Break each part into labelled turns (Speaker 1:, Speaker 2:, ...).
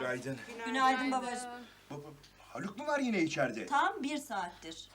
Speaker 1: Günaydın.
Speaker 2: Günaydın babacığım.
Speaker 1: Haluk mu var yine içeride?
Speaker 2: Tam 1 saattir.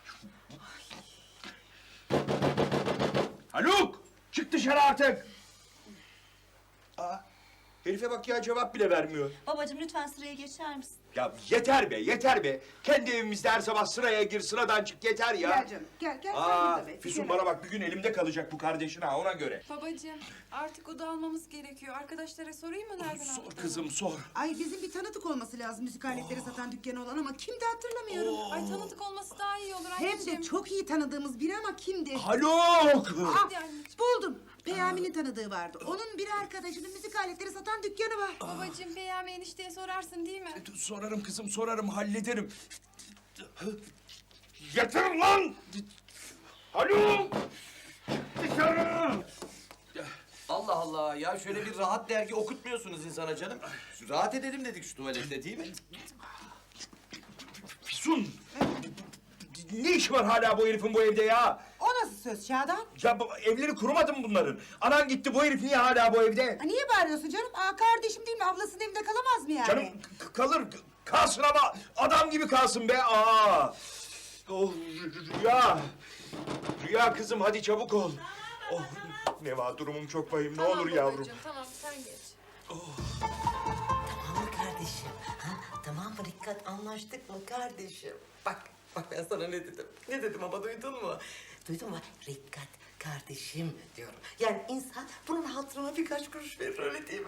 Speaker 1: Haluk! Çık dışarı artık! Aa, herife bak ya, cevap bile vermiyor.
Speaker 2: Babacığım lütfen sıraya geçer misin?
Speaker 1: Ya yeter be, yeter be. Kendi evimizde her sabah sıraya gir, sıradan çık, yeter ya.
Speaker 3: Gel canım, gel sen burada be.
Speaker 1: Füsun
Speaker 3: Gel.
Speaker 1: bana bak, bir gün elimde kalacak bu kardeşin ha, ona göre.
Speaker 4: Babacığım artık oda almamız gerekiyor. Arkadaşlara sorayım mı nereden
Speaker 1: Sor
Speaker 4: aldığını?
Speaker 1: kızım, sor.
Speaker 3: Ay bizim bir tanıdık olması lazım müzik aletleri satan dükkanı olan ama kimdi hatırlamıyorum.
Speaker 4: Ay tanıdık olması daha iyi olur
Speaker 3: Hem
Speaker 4: anneciğim.
Speaker 3: de çok iyi tanıdığımız biri ama kimdi?
Speaker 1: Haluk!
Speaker 3: Ah,
Speaker 4: Hadi anneciğim.
Speaker 3: buldum. Peyami'nin tanıdığı vardı. Onun bir arkadaşının müzik aletleri satan dükkanı var.
Speaker 4: Babacığım Peyami enişteye sorarsın değil mi?
Speaker 1: Sorarım kızım, sorarım, hallederim. Yeter lan! Haluk! Dışarı!
Speaker 5: Allah Allah ya şöyle bir rahat dergi okutmuyorsunuz insana canım. Rahat edelim dedik şu tuvalette değil mi?
Speaker 1: Füsun! Ne iş var hala bu herifin bu evde ya?
Speaker 3: O nasıl söz Şadan?
Speaker 1: Ya evleri kurumadı mı bunların? Anan gitti, bu herif niye hala bu evde?
Speaker 3: Niye bağırıyorsun canım? Kardeşim değil mi? Ablasının evinde kalamaz mı yani?
Speaker 1: Canım kalır, kalsın ama adam gibi kalsın be. Aa! Oh, Rüya! Rüya kızım, hadi çabuk ol. Oh, Neva, durumum çok vahim, ne olur yavrum.
Speaker 4: Babacığım, tamam sen geç.
Speaker 6: Tamam mı kardeşim? Ha? Tamam mı Rikkat? Anlaştık mı kardeşim? Bak ben sana ne dedim? Ne dedim ama duydun mu? Duydun mu? Rikkat kardeşim diyorum. Yani insan bunun hatırına birkaç kuruş verir öyle değil mi?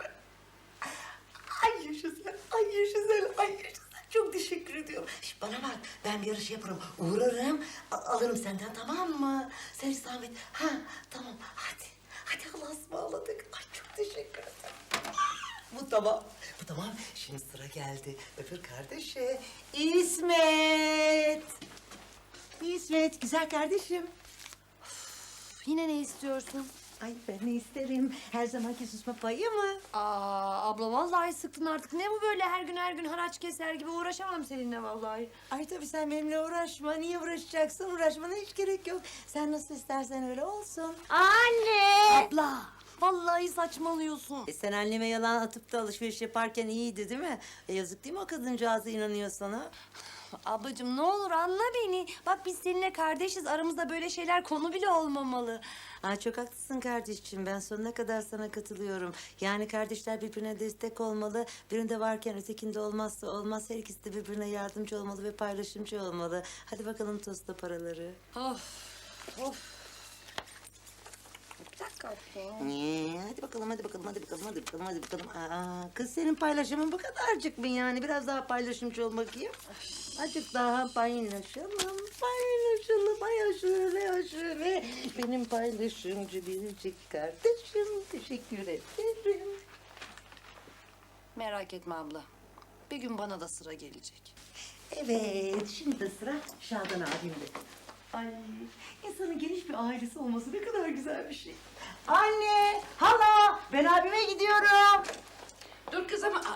Speaker 6: Ay yaşasın, ay yaşasın, ay yaşasın. Çok teşekkür ediyorum. Şişt, bana bak, ben bir yarış yaparım. Uğrarım, alırım senden tamam mı? Sen hiç zahmet. Ha, tamam. Hadi, hadi Allah'a ısmarladık. Ay çok teşekkür ederim. Bu tamam. Bu tamam. Şimdi sıra geldi. Öbür kardeşe. İsmet. İsmet, güzel kardeşim.
Speaker 7: Yine ne istiyorsun?
Speaker 6: Ay ben ne isterim? Her zamanki susma payı mı?
Speaker 7: Abla vallahi sıktın artık. Ne bu böyle her gün haraç keser gibi uğraşamam seninle vallahi.
Speaker 6: Ay tabii sen benimle uğraşma. Niye uğraşacaksın? Uğraşmana hiç gerek yok. Sen nasıl istersen öyle olsun.
Speaker 7: Anne! Abla! Vallahi saçmalıyorsun.
Speaker 6: Sen anneme yalan atıp da alışveriş yaparken iyiydi değil mi? Yazık değil mi o kadıncağıza inanıyor sana?
Speaker 7: Ablacığım ne olur anla beni. Bak biz seninle kardeşiz. Aramızda böyle şeyler konu bile olmamalı.
Speaker 6: Ay çok haklısın kardeşim. Ben sonuna kadar sana katılıyorum. Yani kardeşler birbirine destek olmalı. Birinde varken ötekinde olmazsa olmaz. Her ikisi de birbirine yardımcı olmalı ve paylaşımcı olmalı. Hadi bakalım tosta paraları.
Speaker 7: Of. Bir dakika abla.
Speaker 6: Hadi bakalım, hadi bakalım, hadi bakalım, hadi bakalım, hadi bakalım. Kız senin paylaşımın bu kadarcık mı yani? Biraz daha paylaşımcı ol bakayım. Azıcık daha paylaşalım, paylaşalım. Ay şöyle, şöyle. Benim paylaşımcı biricik kardeşim. Teşekkür ederim.
Speaker 7: Merak etme abla. Bir gün bana da sıra gelecek.
Speaker 6: Evet, şimdi de sıra Şadan abimde. Ay, insanın geniş bir ailesi olması ne kadar güzel bir şey. Anne, hala, ben abime gidiyorum.
Speaker 8: Dur kız ama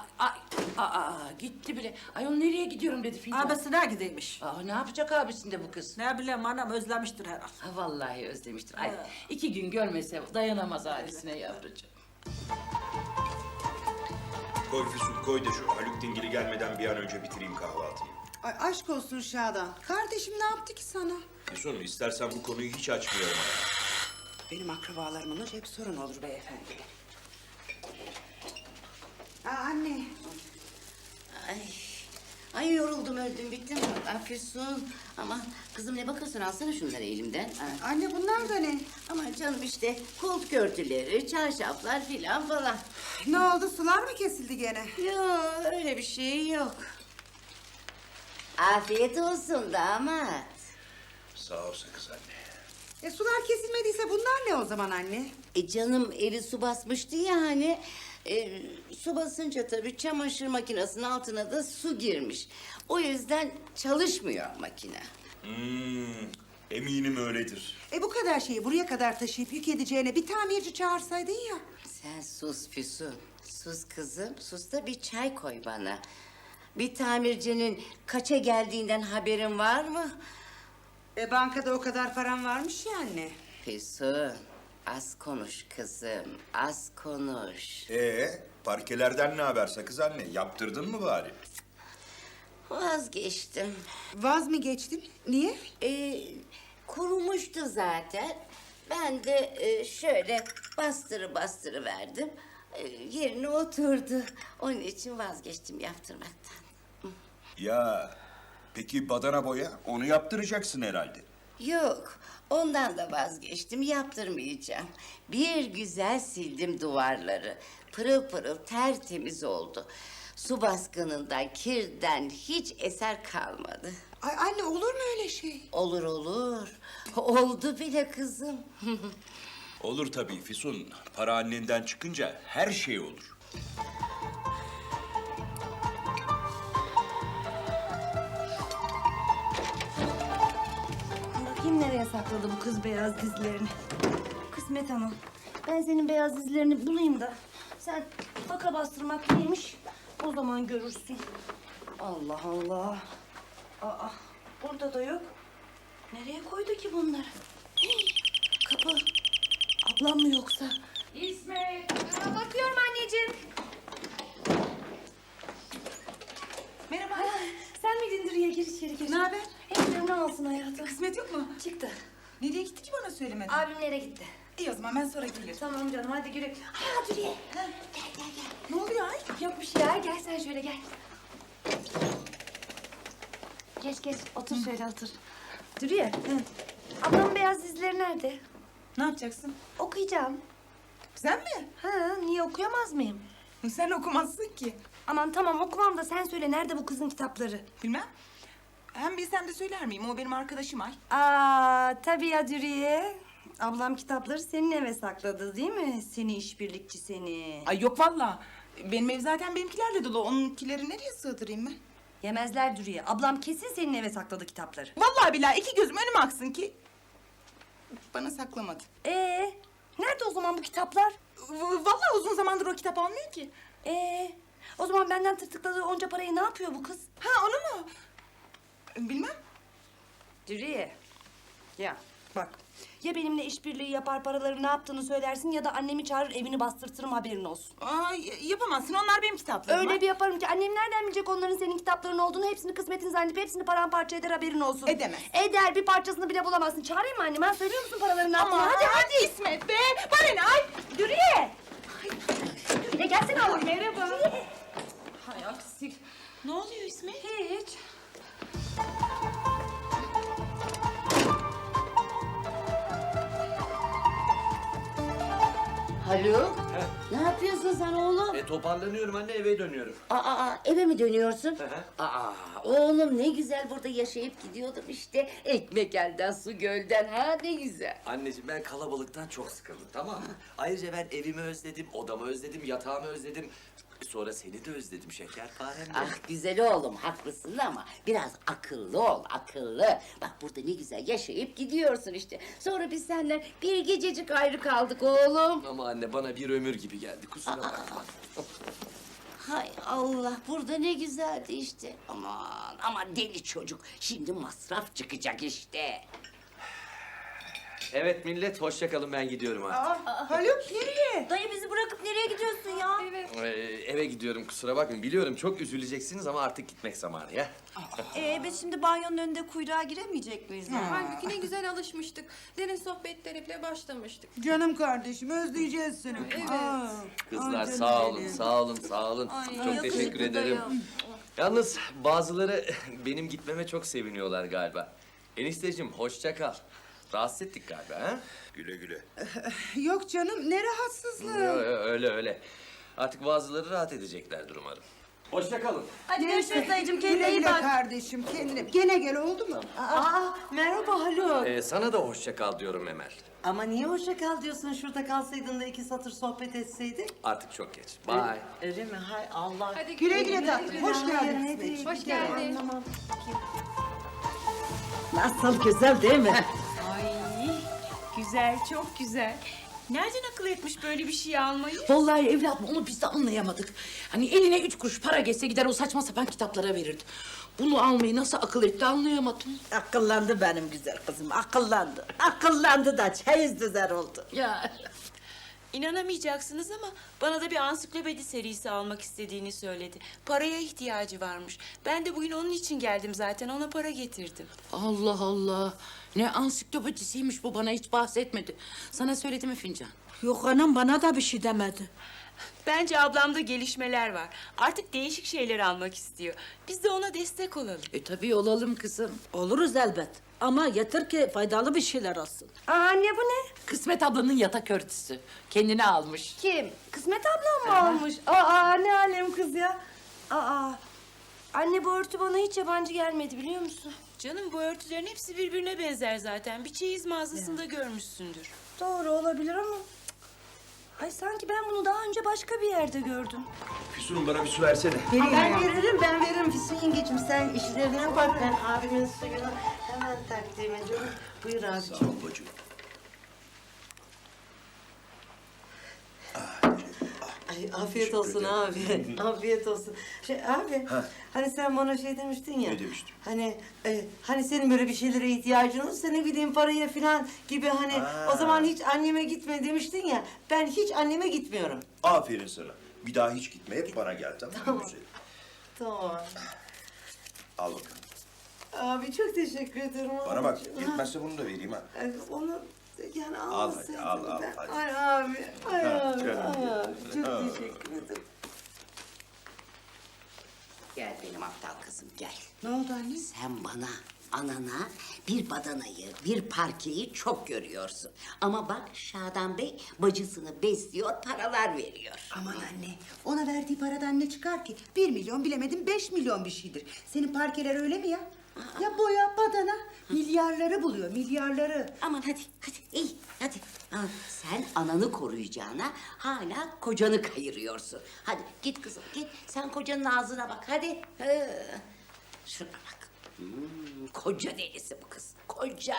Speaker 8: gitti bile. Ayol nereye gidiyorum dedi Filiz'e.
Speaker 9: Abisine gideymiş.
Speaker 8: Ne yapacak abisinde bu kız?
Speaker 9: Ne bileyim anam özlemiştir herhalde.
Speaker 8: Vallahi özlemiştir. Ay 2 gün görmese dayanamaz ailesine yavrucuğum.
Speaker 1: Koy Füsun, koy da şu Haluk dingili gelmeden bir an önce bitireyim kahvaltıyı.
Speaker 3: Ay aşk olsun Şadan. Kardeşim ne yaptı ki sana?
Speaker 1: Füsun, istersen bu konuyu hiç açmıyorum.
Speaker 3: Benim akrabalarımla hep sorun olur beyefendi. Anne.
Speaker 10: Ay yoruldum öldüm bittim. Füsun. Ama kızım ne bakıyorsun alsana şunları elimden.
Speaker 3: Anne bunlar da ne?
Speaker 10: Ama canım işte koltuk örtüleri, çarşaflar filan falan.
Speaker 3: Ne oldu sular mı kesildi gene?
Speaker 10: Yok öyle bir şey yok. Afiyet olsun damat.
Speaker 1: Sağ ol kız anne.
Speaker 3: Sular kesilmediyse bunlar ne o zaman anne?
Speaker 10: Canım evi su basmıştı ya hani. Su basınca tabii çamaşır makinesinin altına da su girmiş. O yüzden çalışmıyor makine.
Speaker 1: Eminim öyledir.
Speaker 3: Bu kadar şeyi buraya kadar taşıyıp yük edeceğine bir tamirci çağırsaydın ya.
Speaker 10: Sen sus Füsun. Sus kızım. Sus da bir çay koy bana. Bir tamircinin kaça geldiğinden haberin var mı?
Speaker 3: Bankada o kadar param varmış ya anne.
Speaker 10: Füsun. Az konuş kızım, az konuş.
Speaker 1: Parkelerden ne haber Sakız anne? Yaptırdın mı bari?
Speaker 10: Vazgeçtim.
Speaker 3: Vaz mı geçtin? Niye?
Speaker 10: Kurumuştu zaten. Ben de şöyle bastırı verdim. Yerine oturdu. Onun için vazgeçtim yaptırmaktan.
Speaker 1: Ya peki badana boya? Onu yaptıracaksın herhalde.
Speaker 10: Yok, ondan da vazgeçtim, yaptırmayacağım. Bir güzel sildim duvarları. Pırıl pırıl tertemiz oldu. Su baskınından, kirden hiç eser kalmadı.
Speaker 3: Ay anne olur mu öyle şey?
Speaker 10: Olur olur. Oldu bile kızım.
Speaker 1: Olur tabii Füsun. Para annenden çıkınca her şey olur.
Speaker 7: Bakayım nereye sakladı bu kız beyaz dizlerini. Kısmet Hanım. Ben senin beyaz dizlerini bulayım da sen baka bastırmak neymiş o zaman görürsün. Allah Allah. Aa, burada da yok. Nereye koydu ki bunları? Hii, kapı. Ablam mı yoksa?
Speaker 8: İsmet.
Speaker 7: Bakıyorum anneciğim.
Speaker 3: Merhaba.
Speaker 7: Sen miydin Dürüye? Gir içeri gir.
Speaker 3: Ne haber?
Speaker 7: Evlerini alsın hayatım.
Speaker 3: Kısmet yok mu?
Speaker 7: Çıktı.
Speaker 3: Nereye gitti ki bana söylemedin?
Speaker 7: Abimlere gitti.
Speaker 3: İyi o zaman ben sonra gelirim.
Speaker 7: Tamam canım hadi güle. Ha Dürüye. Gel.
Speaker 3: Ne oluyor ay?
Speaker 7: Yok bir şey ya. Gel sen şöyle gel. Geç otur şöyle otur. Dürüye. Ablamın beyaz dizleri nerede?
Speaker 3: Ne yapacaksın?
Speaker 7: Okuyacağım.
Speaker 3: Sen mi?
Speaker 7: Ha niye okuyamaz mıyım?
Speaker 3: Sen okumazsın ki.
Speaker 7: Aman tamam okumam da sen söyle nerede bu kızın kitapları?
Speaker 3: Bilmem. Hem bilsem de söyler miyim? O benim arkadaşım ay.
Speaker 7: Aa tabii ya Dürüye. Ablam kitapları senin eve sakladı değil mi? Seni işbirlikçi seni.
Speaker 3: Ay yok valla. Benim ev zaten benimkilerle dolu. Onunkileri nereye sığdırayım ben?
Speaker 7: Yemezler Dürüye. Ablam kesin senin eve sakladı kitapları.
Speaker 3: Vallahi billahi iki gözüm önüme aksın ki bana saklamadı.
Speaker 7: Nerede o zaman bu kitaplar?
Speaker 3: Vallahi uzun zamandır o kitap almıyor ki.
Speaker 7: O zaman benden tırtıkladığı onca parayı ne yapıyor bu kız?
Speaker 3: Ha onu mu? Bilmem.
Speaker 7: Dürüye. Ya bak. Ya benimle işbirliği yapar paraları ne yaptığını söylersin ya da annemi çağırır evini bastırtırım haberin olsun.
Speaker 3: Yapamazsın. Onlar benim kitaplarım.
Speaker 7: Öyle bir yaparım ki annem nereden bilecek onların senin kitapların olduğunu hepsini kısmetin zannedip hepsini paramparça eder haberin olsun.
Speaker 3: Edemez.
Speaker 7: Eder bir parçasını bile bulamazsın. Çağırayım mı annemi? Söylüyor musun paraları ne yaptığını?
Speaker 3: Aman,
Speaker 7: Hadi.
Speaker 3: İsmet be. Bana ne ay?
Speaker 7: Dürüye. Dürüye gelsene oğlum.
Speaker 3: Merhaba.
Speaker 7: Hay aksi.
Speaker 3: Ne oluyor İsmet?
Speaker 7: Hiç.
Speaker 10: Haluk, ne yapıyorsun sen oğlum?
Speaker 5: Toparlanıyorum anne, eve dönüyorum.
Speaker 10: Eve mi dönüyorsun?
Speaker 5: Hı.
Speaker 10: Oğlum ne güzel burada yaşayıp gidiyordum işte. Ekmek elden, su gölden. Ha ne güzel.
Speaker 5: Anneciğim ben kalabalıktan çok sıkıldım, tamam mı? Ayrıca ben evimi özledim, odamı özledim, yatağımı özledim. Sonra seni de özledim şekerparem de.
Speaker 10: Ah güzel oğlum haklısın ama biraz akıllı ol akıllı. Bak burada ne güzel yaşayıp gidiyorsun işte. Sonra biz senden bir gececik ayrı kaldık oğlum.
Speaker 5: Ama anne bana bir ömür gibi geldi, kusura bakma.
Speaker 10: Hay Allah burada ne güzeldi işte. Aman deli çocuk. Şimdi masraf çıkacak işte.
Speaker 5: Evet millet, hoşça kalın, ben gidiyorum artık.
Speaker 3: Haluk nereye?
Speaker 7: Dayı bizi bırakıp nereye gidiyorsun ya? Evet.
Speaker 5: Eve gidiyorum, kusura bakmayın. Biliyorum çok üzüleceksiniz ama artık gitmek zamanı ya.
Speaker 2: Biz şimdi banyonun önünde kuyruğa giremeyecek miyiz?
Speaker 4: Halbuki ne güzel alışmıştık. Derin sohbetlere bile başlamıştık.
Speaker 3: Canım kardeşim özleyeceğiz seni.
Speaker 4: Evet.
Speaker 5: Kızlar sağ olun, sağ olun, sağ olun. Çok teşekkür ederim. Yalnız bazıları benim gitmeme çok seviniyorlar galiba. Enişteciğim hoşça kal. Rahatsız ettik galiba ha?
Speaker 1: Güle güle.
Speaker 3: Yok canım ne rahatsızlığı.
Speaker 5: Öyle. Artık bazıları rahat edeceklerdir umarım. Hoşça kalın.
Speaker 7: Hadi görüşürüz dayıcığım. Kendine
Speaker 3: Güle
Speaker 7: iyi
Speaker 3: güle
Speaker 7: bak.
Speaker 3: kardeşim kendine. Gene gel oldu mu?
Speaker 10: Merhaba Haluk.
Speaker 5: Sana da hoşça kal diyorum Emel.
Speaker 6: Ama niye hoşça kal diyorsun? Şurada kalsaydın da iki satır sohbet etseydik.
Speaker 5: Artık çok geç. Bye.
Speaker 6: Öyle mi? Hay Allah.
Speaker 4: Hadi
Speaker 3: Güle güle tatlım. Hoş geldin İsmet.
Speaker 4: Hoş geldin.
Speaker 9: Nasıl güzel değil mi?
Speaker 11: Güzel, çok güzel. Nereden akıl etmiş böyle bir şey almayı?
Speaker 8: Vallahi evladım onu biz de anlayamadık. Hani eline 3 kuruş para geçse gider o saçma sapan kitaplara verirdi. Bunu almayı nasıl akıl etti anlayamadım.
Speaker 9: Akıllandı benim güzel kızım, akıllandı. Akıllandı da çeyiz düzer oldu.
Speaker 8: Ya.
Speaker 11: İnanamayacaksınız ama bana da bir ansiklopedi serisi almak istediğini söyledi. Paraya ihtiyacı varmış. Ben de bugün onun için geldim zaten. Ona para getirdim.
Speaker 8: Allah Allah. Ne ansiklopedisiymiş bu, bana hiç bahsetmedi. Sana söyledi mi Fincan?
Speaker 9: Yok anam, bana da bir şey demedi.
Speaker 11: Bence ablamda gelişmeler var. Artık değişik şeyler almak istiyor. Biz de ona destek olalım.
Speaker 8: Tabii olalım kızım.
Speaker 9: Oluruz elbet. Ama yeter ki faydalı bir şeyler olsun.
Speaker 7: Aa, anne bu ne?
Speaker 8: Kısmet ablanın yatak örtüsü. Kendine almış.
Speaker 7: Kim? Kısmet ablam mı almış? Aa, ne alem kız ya. Aa, anne bu örtü bana hiç yabancı gelmedi biliyor musun?
Speaker 11: Canım bu örtülerin hepsi birbirine benzer zaten. Bir çeyiz mağazasında görmüşsündür.
Speaker 7: Doğru olabilir ama... Ay sanki ben bunu daha önce başka bir yerde gördüm.
Speaker 1: Füsun'um bana bir su versene.
Speaker 6: Ben veririm Füsun yengeciğim. Sen işlerine bak. Ben abimin suyunu hemen takdim ediyorum. Buyur abiciğim.
Speaker 1: Sağ ol bacım.
Speaker 6: Ay afiyet olsun abi. Afiyet olsun. Abi, hani sen bana şey demiştin ya.
Speaker 1: Ne demiştim?
Speaker 6: Hani senin böyle bir şeylere ihtiyacın olursa ne bileyim paraya falan gibi hani o zaman hiç anneme gitme demiştin ya. Ben hiç anneme gitmiyorum.
Speaker 1: Aferin sana. Bir daha hiç gitme. Hep bana gel, tamam mı güzelim?
Speaker 6: Tamam.
Speaker 1: Al bakalım.
Speaker 6: Abi çok teşekkür ederim.
Speaker 1: Bana bak,
Speaker 6: abicim.
Speaker 1: yetmezse bunu da vereyim ha.
Speaker 6: Onu yani
Speaker 1: Al
Speaker 6: almasaydım
Speaker 1: hadi, al,
Speaker 6: ben.
Speaker 1: hadi.
Speaker 6: Ay abi, ay abi,
Speaker 1: canım.
Speaker 6: ay abi. Çok teşekkür ederim.
Speaker 10: Gel benim aptal kızım gel.
Speaker 6: Ne oldu anne?
Speaker 10: Sen bana, anana bir badanayı, bir parkeyi çok görüyorsun. Ama bak Şadan Bey bacısını besliyor, paralar veriyor.
Speaker 3: Aman anne, ona verdiği paradan ne çıkar ki? 1 milyon bilemedim 5 milyon bir şeydir. Senin parkeler öyle mi ya? Ya boya, badana, milyarları buluyor, milyarları.
Speaker 10: Aman hadi, iyi, hadi. Ha, sen ananı koruyacağına hala kocanı kayırıyorsun. Hadi git kızım, git. Sen kocanın ağzına bak, hadi. Şuna bak. Koca delisi bu kız, koca.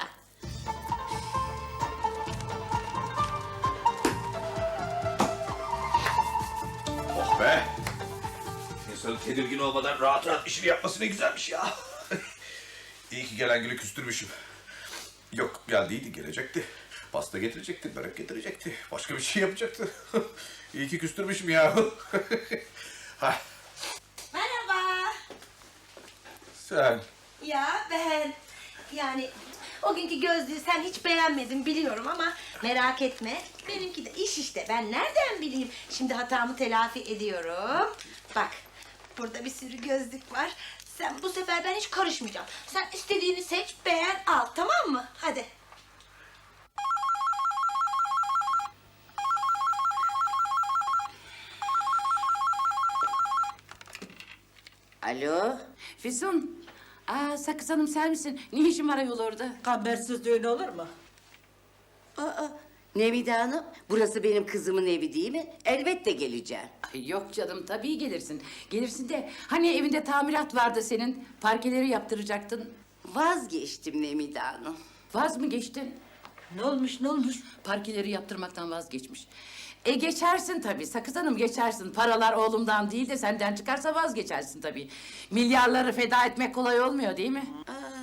Speaker 1: Oh be! İnsanın tedirgin olmadan rahat rahat işini yapması ne güzelmiş ya. İyi ki gelen gülü küstürmüşüm. Yok geldiydi, gelecekti. Pasta getirecekti, börek getirecekti. Başka bir şey yapacaktı. İyi ki küstürmüşüm ya.
Speaker 7: Merhaba.
Speaker 1: Sen.
Speaker 7: Ya ben... Yani o günkü gözlüğü sen hiç beğenmedin biliyorum ama merak etme. Benimki de iş işte. Ben nereden bileyim? Şimdi hatamı telafi ediyorum. Bak burada bir sürü gözlük var. Sen bu sefer ben hiç karışmayacağım. Sen istediğini seç, beğen, al tamam mı? Hadi.
Speaker 10: Alo?
Speaker 8: Füsun. Sakız Hanım sen misin? Ne işin var ayol orada?
Speaker 9: Habersiz düğün olur mu?
Speaker 10: Nevide Hanım, burası benim kızımın evi değil mi? Elbette geleceğim.
Speaker 8: Ay yok canım, tabii gelirsin. Gelirsin de hani evinde tamirat vardı senin. Parkeleri yaptıracaktın.
Speaker 10: Vazgeçtim Nevide Hanım.
Speaker 8: Vaz mı geçtin?
Speaker 9: Ne olmuş, ne olmuş?
Speaker 8: Parkeleri yaptırmaktan vazgeçmiş. Geçersin tabii Sakız Hanım, geçersin. Paralar oğlumdan değil de senden çıkarsa vazgeçersin tabii. Milyarları feda etmek kolay olmuyor değil mi?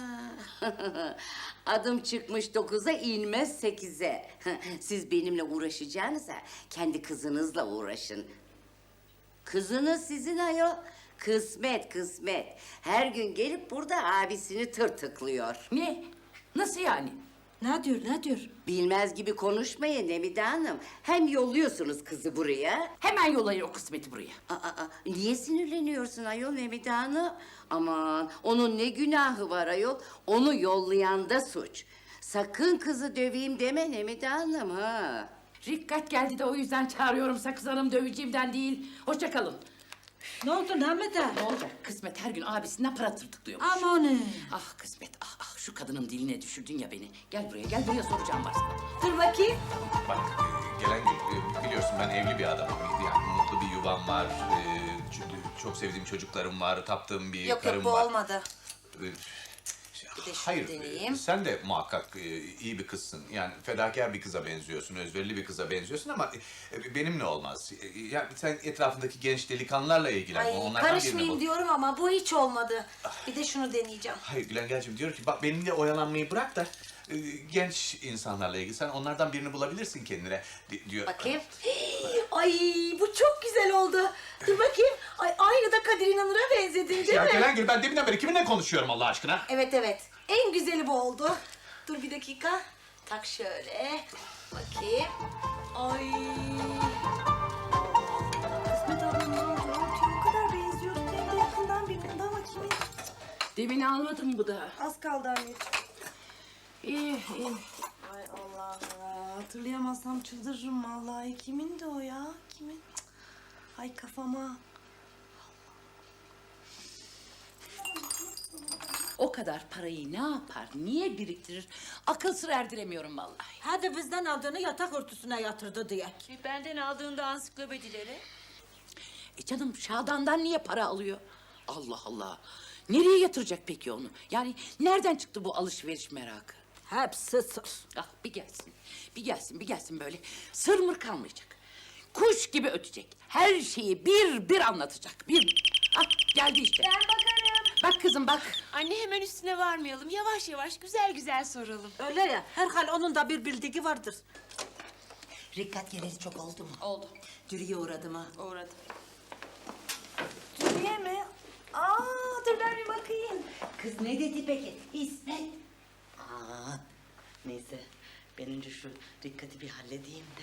Speaker 10: Adım çıkmış 9'a inmez 8'e. Siz benimle uğraşacağınıza kendi kızınızla uğraşın. Kızınız sizin ayol. Kısmet, kısmet. Her gün gelip burada abisini tırtıklıyor.
Speaker 8: Ne? Nasıl yani?
Speaker 9: Ne diyor, ne diyor?
Speaker 10: Bilmez gibi konuşmayın Nemide Hanım. Hem yolluyorsunuz kızı buraya.
Speaker 8: Hemen yollayın o kısmeti buraya.
Speaker 10: Niye sinirleniyorsun ayol Nemide Hanım? Aman onun ne günahı var ayol? Onu yollayan da suç. Sakın kızı döveyim deme Nemide Hanım ha.
Speaker 8: Rikkat geldi de o yüzden çağırıyorum Sakız Hanım, döveceğimden değil. Hoşça kalın.
Speaker 9: Ne oldu Namete?
Speaker 8: Ne olacak? Kısmet her gün abisinden para tırtıklıyormuş.
Speaker 9: Amanın.
Speaker 8: Ah Kısmet, şu kadının diline düşürdün ya beni. Gel buraya soracağım var sana.
Speaker 7: Dur bakayım.
Speaker 12: Bak gelen gün biliyorsun ben evli bir adamım. Yani mutlu bir yuvam var. Çok sevdiğim çocuklarım var. Taptığım bir karım var.
Speaker 7: olmadı. de şunu
Speaker 12: Hayır,
Speaker 7: deneyeyim.
Speaker 12: sen de muhakkak iyi bir kızsın. Yani fedakar bir kıza benziyorsun, özverili bir kıza benziyorsun ama benimle olmaz. Yani sen etrafındaki genç delikanlılarla ilgilen.
Speaker 7: Ay
Speaker 12: Onlardan birini
Speaker 7: karışmayayım
Speaker 12: bul.
Speaker 7: diyorum ama bu hiç olmadı. Bir de şunu deneyeceğim.
Speaker 12: Hayır Gülengel'cim diyor ki bak benimle oyalanmayı bırak da genç insanlarla ilgili sen onlardan birini bulabilirsin kendine diyor.
Speaker 7: Bakayım. Ay bu çok güzel oldu. Dur bakayım. Ay aynı da Kadir İnanır'a benzedin değil
Speaker 12: Ya
Speaker 7: mi?
Speaker 12: Gelengel ben deminden beri kiminle konuşuyorum Allah aşkına?
Speaker 7: Evet evet. En güzeli bu oldu. Dur bir dakika. Tak şöyle. Bakayım. Ay. Kısmet ablanın örtüye o kadar benziyordu. Hem de yakından birbirine ama kimin?
Speaker 8: Demin almadım bu da.
Speaker 7: Az kaldı anneciğim.
Speaker 8: İyi, iyi.
Speaker 7: Ay Allah ya. Hatırlayamazsam çıldırırım vallahi. Kimin de o ya? Kimin? Cık. Ay kafama.
Speaker 8: O kadar parayı ne yapar, niye biriktirir? Akıl sır erdiremiyorum vallahi.
Speaker 9: Hadi bizden aldığını yatak örtüsüne yatırdı diye.
Speaker 11: Benden aldığında ansiklopedileri.
Speaker 8: Canım Şadan'dan niye para alıyor? Allah Allah. Nereye yatıracak peki onu? Yani nereden çıktı bu alışveriş merakı?
Speaker 9: Hepsi sır.
Speaker 8: Ah bir gelsin, bir gelsin, bir gelsin böyle. Sır mır kalmayacak. Kuş gibi ötecek. Her şeyi bir anlatacak. Ah geldi işte.
Speaker 11: Ben bakarım.
Speaker 8: Bak kızım bak.
Speaker 11: Anne hemen üstüne varmayalım. Yavaş yavaş güzel güzel soralım.
Speaker 9: Öyle ya, herhal onun da bir bildiği vardır.
Speaker 6: Rikkat geleli çok oldu mu?
Speaker 11: Oldu.
Speaker 6: Dürüye uğradım ha.
Speaker 11: Uğradım.
Speaker 7: Dürüye mi? Aa dur ben bir bakayım.
Speaker 6: Kız ne dedi peki? İsmet. Neyse ben önce şu Rikkat'i bir halledeyim de.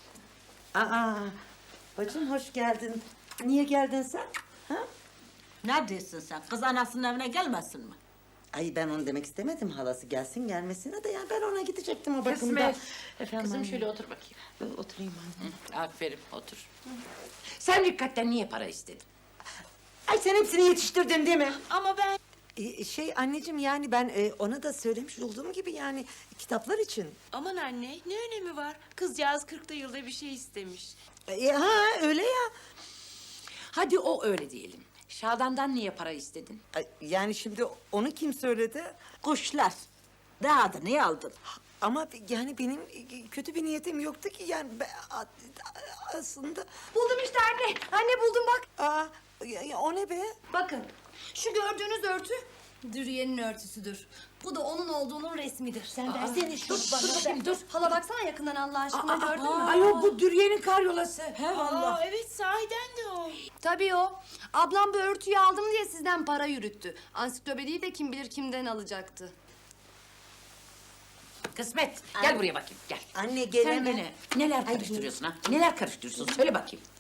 Speaker 6: Bacım hoş geldin. Niye geldin sen? Ha?
Speaker 9: Ne diyorsun sen? Kız anasının evine gelmesin mi?
Speaker 6: Ay ben onu demek istemedim halası gelsin gelmesine de yani ben ona gidecektim o bakımda.
Speaker 8: Kısmet.
Speaker 6: Efendim
Speaker 8: Kızım
Speaker 6: anne.
Speaker 8: şöyle otur bakayım.
Speaker 6: Oturayım anne.
Speaker 8: Aferin otur. Sen Rikkat'ten niye para istedin?
Speaker 6: Ay sen hepsini yetiştirdin değil mi?
Speaker 11: Ama ben...
Speaker 6: Anneciğim yani ben ona da söylemiş olduğum gibi yani kitaplar için.
Speaker 11: Aman anne ne önemi var? Kızcağız 40'ta yılda bir şey istemiş.
Speaker 6: Öyle ya.
Speaker 8: Hadi o öyle diyelim. Şadan'dan niye para istedin?
Speaker 6: Ay, yani şimdi onu kim söyledi?
Speaker 9: Kuşlar. Daha da niye aldın?
Speaker 6: Ama yani benim kötü bir niyetim yoktu ki yani aslında.
Speaker 7: Buldum işte anne. Anne buldum bak.
Speaker 6: O ne be?
Speaker 7: Bakın şu gördüğünüz örtü Dürüye'nin örtüsüdür. Bu da onun olduğunun resmidir. Sen versene şu bana.
Speaker 8: dur bakayım, dur.
Speaker 7: Hala baksana yakından Allah aşkına gördün mü?
Speaker 8: Ayol bu Dürüye'nin karyolası.
Speaker 9: He vallahi.
Speaker 11: Evet sahiden de o.
Speaker 2: Tabii o. Ablam bu örtüyü aldım diye sizden para yürüttü. Ansiklopediyi de kim bilir kimden alacaktı.
Speaker 8: Kısmet gel buraya bakayım gel.
Speaker 6: Anne
Speaker 8: Sen
Speaker 6: gelemem.
Speaker 8: gene neler karıştırıyorsun ha? Neler karıştırıyorsun söyle bakayım.